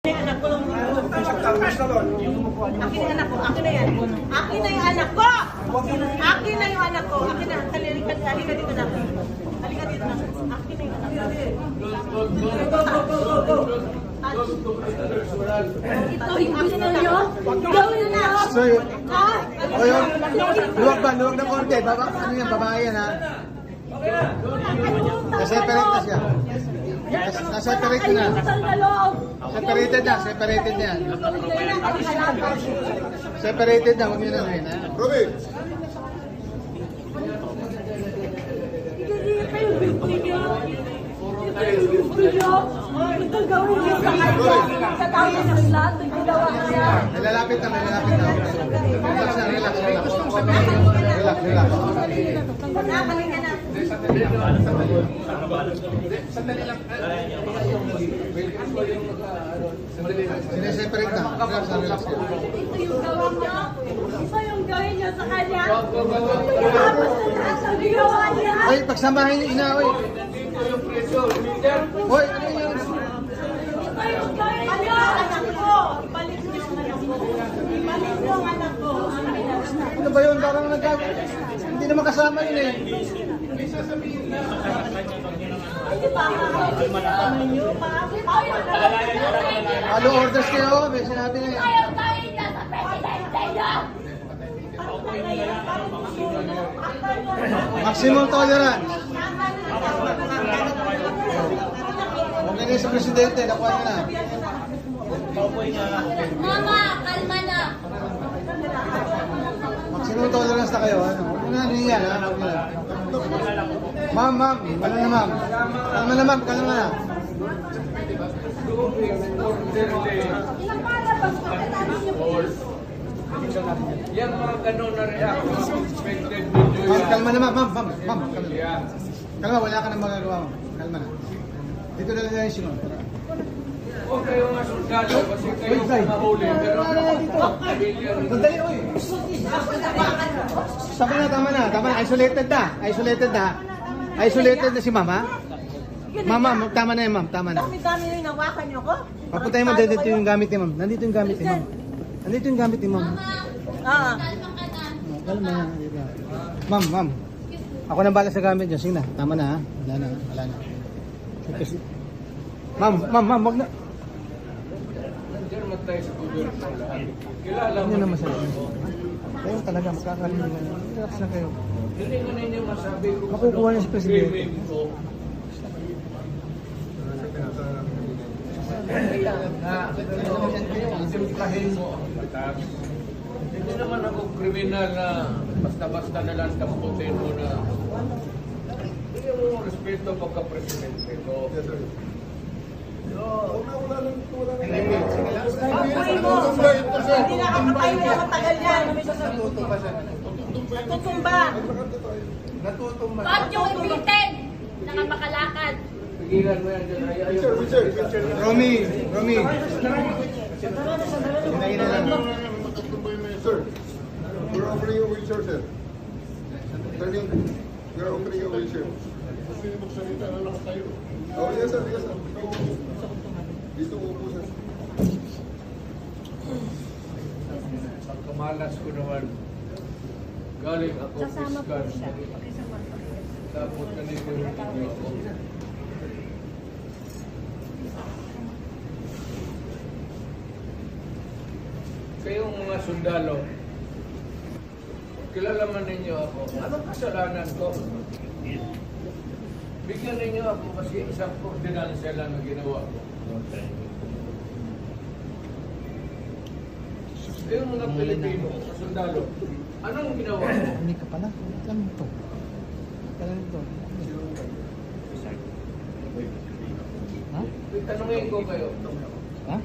Anak ko lang akin ang anak ko, akin na yan. Akin na yung anak ko! Akin na yung anak ko. Akin na, halika dito na. Halika dito na. Akin na yung anak ko. Ito yung gusto nyo? Gawin na! So, luwag ba? Luwag ng konti. Ano yan? Babae yan, ha? Na-separate na siya. Na-separate na. Separated na. Separated na yan. Separated na. Huwag nyo na rin, ha? Roby! Ito gawin niyo sa kanya. Sa tao ng lahat, nagkinawa niya. May lalapit na. Relax na, relax. Relax. Halika na. Sineseparate na. Relax. Ito yung gawa niya. Ito yung gawin niyo sa kanya. Tapos na lahat ang ginawa niya. Oy, pagsamahin yung ina, oy. Oy, ano yun? Ito yung gawin niyo. Anak ko. Ibalik niyo ang anak ko. Ibalik niyo ang anak ko. Ano ba yun? Parang hindi naman kasama yun, eh. Hindi pa kasama niyo. Ano orders kayo? May sinabi na yan. Maximum tolerance. Huwag na sa presidente, nakuha niya na. Mama, kalma na. Maximum tolerance na kayo, ano? Huwag na niyan, ha? Huwag na. Ma'am, ano na ma'am? Kalma na. Ilang palabas pa katapos niyo po? Yan mga ganun na reaction expected video Ma'am, yan. kalma na ma'am. Kalma. Yan. Kalma, wala ka nang magagawa, ma'am. Kalma na. Dito na lang yung sinun. Huwag kayo nga sundalo kasi kayo Wait, Zay. mahuli. Pero civilian. Sandali, oy! Tama na. Isolated na si ma'am, ha? Ma'am, tama na yan, ma'am. Tama na. Dami-dami yung nawakan niyo ko. Papuntahin mo, dito yung gamit ni ma'am. Nandito yung gamit ni ma'am. Ah. Kalma ka na. Kalma na. Dito. Ma'am. Ako nang bala sa gamit niyo. Sige na. Tama na, ha? Wala na. Kasi... Ma'am, wag na. Nandiyan naman tayo sa gobyerno lahat. Kilala Hindi mo. na masarap. Kayo talaga, makakalimutan na. Relax na kayo. Hindi ko ninyo masabi kung Makukuha niya si Presidente. krimen ko. Isimplahin mo ang batas. Hindi naman ako kriminal na basta-basta na lang tamputin mo na bigyan mo respeto pagka-presidente ko. Pagpuli mo. Hindi nakakapay na matagal yan. Natutumba. Bakit yung ipitin? Nakapakalakad. Pigilan mo yan dyan. Romy. Hinahin na lang. Sir, we're offering you a wheelchair, sir. Turning, we're offering you a wheelchair. Oh, yes, sir. Dito upo, sir. Pagkamalas ko naman, galing ako fiscal. Tapos ganito yung video ko. Kayong mga sundalo, kilala man ninyo ako. Anong kasalanan ko? Bigyan ninyo ako kasi isang ordinansya lang na ginawa ko. Yung mga Pilipino, sa sundalo, anong ginawa ko? Hindi ka pala. Alam mo to. Alam mo to. Ha? Tanungin ko kayo. Ha?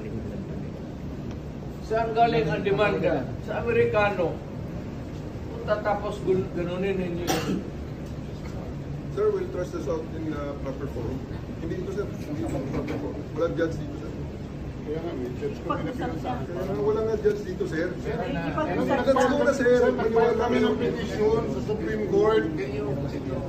Saan galing ang demanda? Sa Amerikano. Tapos ganunin ninyo yun. Sir, we'll trust this out in proper forum. Hindi ito, sir. Hindi ito proper forum. Walang judge dito, sir. Kaya nga, may judge ko wala nga judge dito, sir. Let's go na, sir. Nag-file kami ng petition sa Supreme Court.